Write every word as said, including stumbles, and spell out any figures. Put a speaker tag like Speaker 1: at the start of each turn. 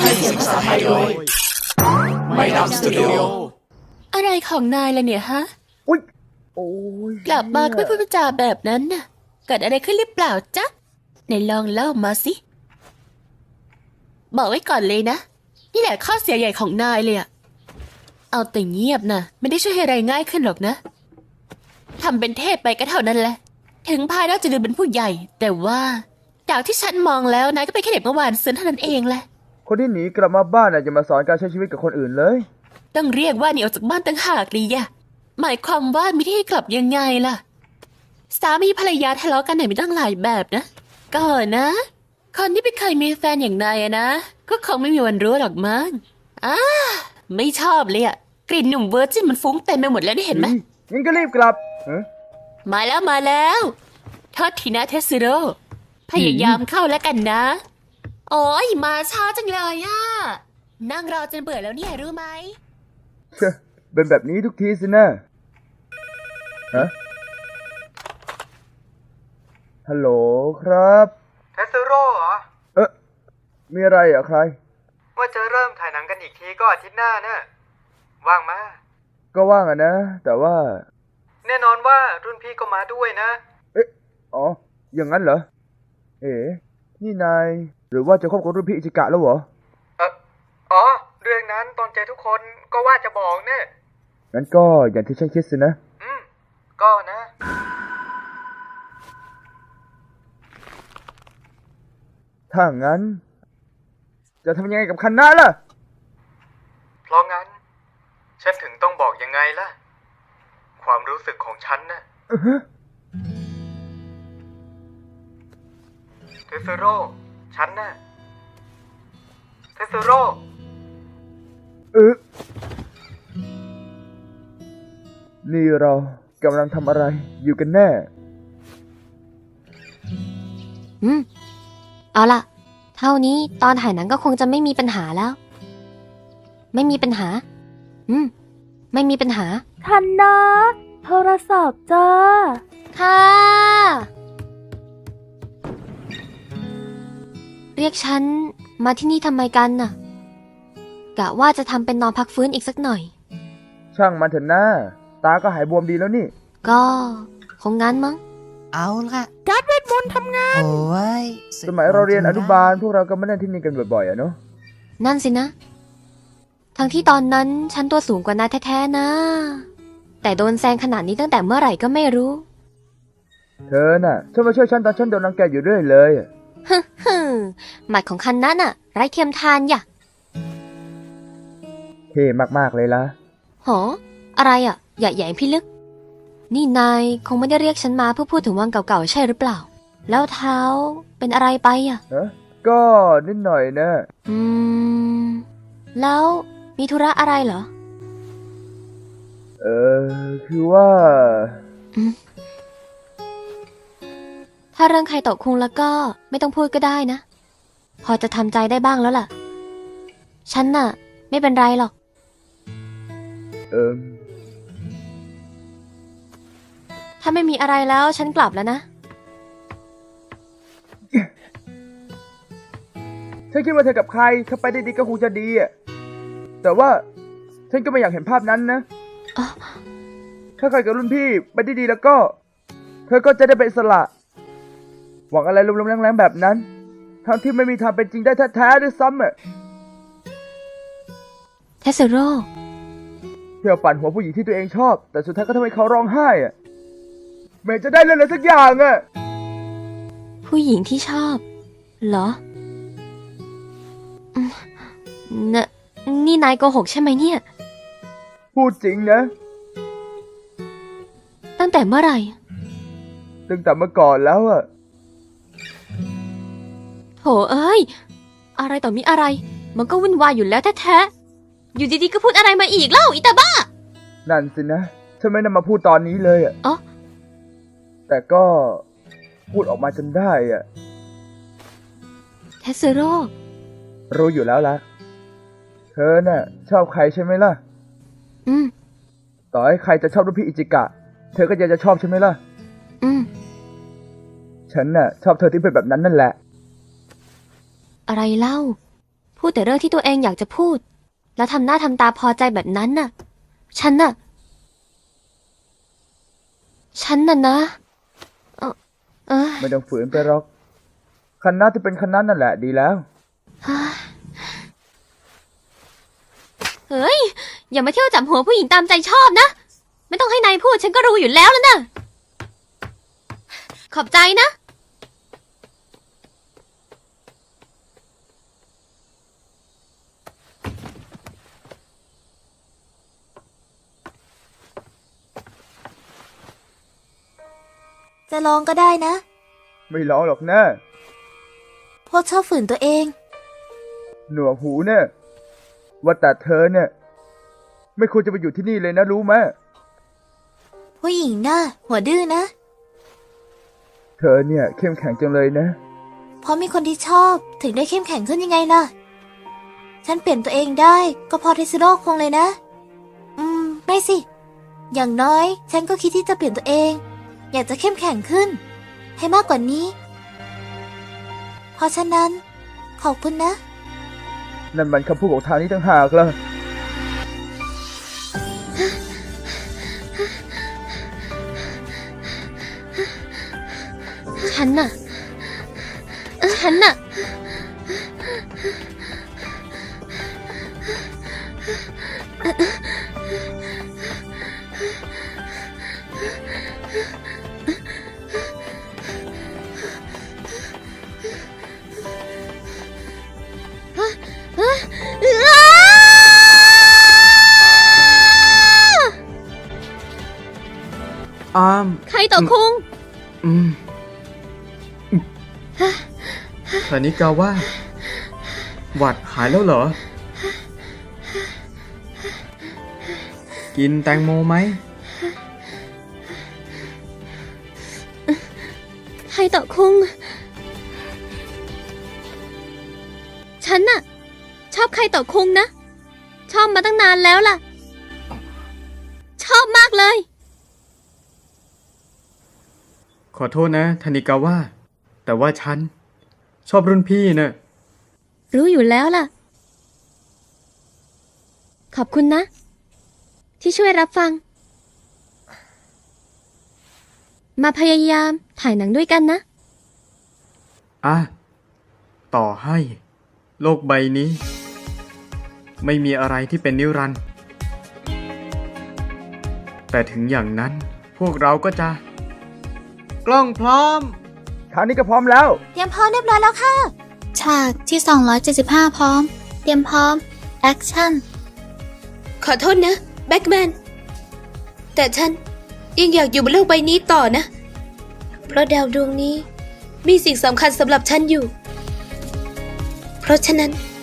Speaker 1: ให้เสียงภาษาไทยโดยไม่ดำสตูดิโอ
Speaker 2: อะไรของนายล่ะเนี่ยฮะ
Speaker 3: อุ๊ยโอ้ย
Speaker 2: กลับมาก็ไม่พูดจาแบบนั้นน่ะเกิดอะไรขึ้นหรือเปล่าจ๊ะไหนลองเล่ามาสิบอกไว้ก่อนเลยนะนี่แหละข้อเสียใหญ่ของนายเลยอะเอาแต่เงียบนะไม่ได้ช่วยให้อะไรง่ายขึ้นหรอกนะทำเป็นเทพไปก็เท่านั้นแหละถึงภายนอกจะดูเป็นผู้ใหญ่แต่ว่าจากที่ฉันมองแล้วนายก็เป็นแค่เด็กเมื่อวานซืนเท่านั้นเองแหละ
Speaker 3: คนที่หนีกลับมาบ้านน่ะจะมาสอนการใช้ชีวิตกับคนอื่นเลย
Speaker 2: ต้องเรียกว่าหนีออกจากบ้านตั้งหากดีอะหมายความว่ามีที่ให้กลับยังไงล่ะสามีภรรยาทะเลาะกันไหนมีตั้งหลายแบบนะก่อนนะคนที่ไม่เคยมีแฟนอย่างนายนะก็คงไม่มีวันรู้หรอกมั้งอ้าไม่ชอบเลยอะกลิ่นหนุ่มเวอร์จินมันฟุ้งเต็มไปหมดแล้วนี่เห็นไหม
Speaker 3: งั้นก็รีบกลับ
Speaker 2: มาแล้วมาแล้วโทษทีนะเทสโร่พยายามเข้าแล้วกันนะโอ้ยมาช้าจังเลยอะนั่งรอจนเบื่อแล้วเนี่ยรู้ไหม
Speaker 3: เป็นแบบนี้ทุกทีสินะฮะฮัลโหลครับ
Speaker 4: เทสโร่เหรอ
Speaker 3: เอ๊ะมีอะไรอ่ะใคร
Speaker 4: ว่าจะเริ่มถ่ายหนังกันอีกทีก็อาทิตย์หน้านะว่างมา
Speaker 3: ก็ว่างอ่ะนะแต่ว่า
Speaker 4: แน่นอนว่ารุ่นพี่ก็มาด้วยนะ
Speaker 3: เอ๊ะอ๋ออย่างนั้นเหรอเอ๋นี่นายหรือว่าจะคบกับรุ่นพี่อิจิกะแล้วเหรอ
Speaker 4: เอออ๋อเรื่องนั้นตอนเจอทุกคนก็ว่าจะบอกเนี่ย
Speaker 3: งั้นก็อย่างที่ฉันคิดสินะ
Speaker 4: อืมก็นะ
Speaker 3: ถ้างั้นจะทำยังไงกับคันนาล่ะ
Speaker 4: เพราะงั้นฉันถึงต้องบอกยังไงล่ะความรู้สึกของฉันนะเทสโร่ฉันนะเทสโร่
Speaker 3: เออนี่เรากำลังทำอะไรอยู่กันแน่
Speaker 5: อืมเอาล่ะเท่านี้ตอนถ่ายหนังก็คงจะไม่มีปัญหาแล้วไม่มีปัญหาอืมไม่มีปัญหา
Speaker 6: ทันนะโทรศัพท์จ้า
Speaker 5: ค่ะเรียกฉันมาที่นี่ทำไมกันน่ะกะว่าจะทำเป็นนอนพักฟื้นอีกสักหน่อย
Speaker 3: ช่างมันเถอะนะตาก็หายบวมดีแล้วนี่
Speaker 5: ก็คงงั้นมั้ง
Speaker 1: เอาล่ะ
Speaker 6: การ์ดเวทมนต์ทำงาน
Speaker 1: โอ้ย
Speaker 3: สมัยเราเรียนอนุบาลพวกเราก็มาเล่นที่นี่กันบ่อยๆอะเนาะ
Speaker 5: นั่นสินะทั้งที่ตอนนั้นฉันตัวสูงกว่านายแท้ๆนะแต่โดนแซงขนาดนี้ตั้งแต่เมื่อไหร่ก็ไม่รู้
Speaker 3: เธอน่ะชอบมาช่วยฉันตอนฉันโดนรังแกอยู่เรื่อยเลย
Speaker 5: ฮึฮึหมัดของคันนั้นน่ะไร้เทียมทานอย่ะ
Speaker 3: เท่มากๆเลยล่ะ
Speaker 5: หออะไรอ่ะอย่าแหย่งพี่ลึกนี่นายคงไม่ได้เรียกฉันมาเพื่อพูดถึงวังเก่าๆใช่หรือเปล่าแล้วเท้าเป็นอะไรไปอ่ะ
Speaker 3: เออก็นิดหน่อยนะ
Speaker 5: อืมแล้วมีธุระอะไรเหรอ
Speaker 3: เออคือว่า
Speaker 5: ถ้าเรื่องใครตกคุงแล้วก็ไม่ต้องพูดก็ได้นะพอจะทำใจได้บ้างแล้วล่ะฉันน่ะไม่เป็นไรหรอก
Speaker 3: เออ
Speaker 5: ถ้าไม่มีอะไรแล้วฉันกลับแล้วนะ
Speaker 3: ฉันคิดว่าเธอกับใครถ้าไปได้ดีก็คงจะดีอ่ะแต่ว่าฉันก็ไม่อยากเห็นภาพนั้นนะถ้าใครกับรุ่นพี่ไปได้ดีแล้วก็เธอก็จะได้เป็นอิสระหวังอะไรลมๆแรงๆแบบนั้นทั้งที่ไม่มีทางเป็นจริงได้แท้ๆด้วยซ้ำอ่ะ
Speaker 5: เทสโร่
Speaker 3: เที่ยวปั่นหัวผู้หญิงที่ตัวเองชอบแต่สุดท้ายก็ทำให้เขาร้องไห้อ่ะไม่จะได้เลยเลยสักอย่างอ่ะ
Speaker 5: ผู้หญิงที่ชอบเหรอนะนี่นายโกหกใช่ไหมเนี่ย
Speaker 3: พูดจริงนะ
Speaker 5: ตั้งแต่เมื่อไหร่
Speaker 3: ตั้งแต่เมื่อก่อนแล้วอ่ะ
Speaker 5: โถเอ้ยอะไรต่อมีอะไรมันก็วุ่นวายอยู่แล้วแท้ๆอยู่ดีๆก็พูดอะไรมาอีกเล่าอีตาบ้า
Speaker 3: นั่นสินะฉันไม่นำมาพูดตอนนี้เลยอ่ะ
Speaker 5: อ๋อ
Speaker 3: แต่ก็พูดออกมาจนได้อ่ะ
Speaker 5: เทสโร่
Speaker 3: รู้อยู่แล้วล่ะเธอน่ะชอบใครใช่ไหมล่ะ
Speaker 5: อืม
Speaker 3: ต่อให้ใครจะชอบรุ่นพี่อิจิกะเธอก็ยังจะชอบใช่ไหมล่ะ
Speaker 5: อืม
Speaker 3: ฉันน่ะชอบเธอที่เป็นแบบนั้นนั่นแหละ
Speaker 5: อะไรเล่าพพูดแต่เรื่องที่ตัวเองอยากจะพูด แล้วทำหน้าทำตาพอใจแบบนั้นน่ะ ฉันน่ะ ฉันน่ะนะ เออเออ
Speaker 3: ไม่ต้องฝืนไปหรอกคันหน้าที่เป็นคันนั้นนั่นแหละดีแล้ว
Speaker 5: เฮ้ย อย่ามาเที่ยวจับหัวผู้หญิงตามใจชอบนะ ไม่ต้องให้นายพูดฉันก็รู้อยู่แล้วแล้วนะขอบใจนะ
Speaker 6: จะลองก็ได้นะ
Speaker 3: ไม่ร้องหรอกนะ
Speaker 6: พวกชอบฝืนตัวเอง
Speaker 3: หนวกหูเนี่ยว่าแต่เธอเนี่ยไม่ควรจะไปอยู่ที่นี่เลยนะรู้ไหม
Speaker 6: ผู้หญิงน่ะหัวดื้อนะ
Speaker 3: เธอเนี่ยเข้มแข็งจังเลยนะ
Speaker 6: เพราะมีคนที่ชอบถึงได้เข้มแข็งขึ้นยังไงล่ะ ฉันเปลี่ยนตัวเองได้ก็พอเทสโร่คงเลยนะ อืม ไม่สิ อย่างน้อย ฉันก็คิดที่จะเปลี่ยนตัวเอง อยากจะเข้มแข็งขึ้น ให้มากกว่านี้ เพราะฉะนั้น ขอบคุณนะ
Speaker 3: นั่นมันคำพูดของทางนี้ต่างหากล่ะ
Speaker 5: ฉันน่ะ ฉันน่ะ
Speaker 1: อาม
Speaker 5: ใครต่อคุง
Speaker 1: อืมธนิกาว่า หวัดหายแล้วเหรอ กินแตงโมไหม
Speaker 5: ใครต่อคุง ฉันน่ะ ชอบใครต่อคุงนะ ชอบมาตั้งนานแล้วล่ะ ชอบมากเลย
Speaker 1: ขอโทษนะธนิกาว่า แต่ว่าฉัน ชอบรุ่นพี่นะ
Speaker 5: รู้อยู่แล้วล่ะ ขอบคุณนะ ที่ช่วยรับฟัง มาพยายามถ่ายหนังด้วยกันนะ
Speaker 1: อ่ะ ต่อให้ โลกใบนี้ ไม่มีอะไรที่เป็นนิรันดร์แต่ถึงอย่างนั้นพวกเราก็จะ กล้องพร้อม
Speaker 3: ทางนี้ก็พร้อมแล้ว
Speaker 6: เตรียมพร้อมเรียบร้อยแล้วค่ะ ฉากที่ สองร้อยเจ็ดสิบห้า พร้อม เตรียมพร้อม แอคชั่น
Speaker 2: ขอโทษนะแบ็กแมนแต่ฉันยังอยากอยู่บนโลกใบนี้ต่อนะ เพราะดาวดวงนี้มีสิ่งสำคัญสำหรับฉันอยู่ เพราะฉะนั้น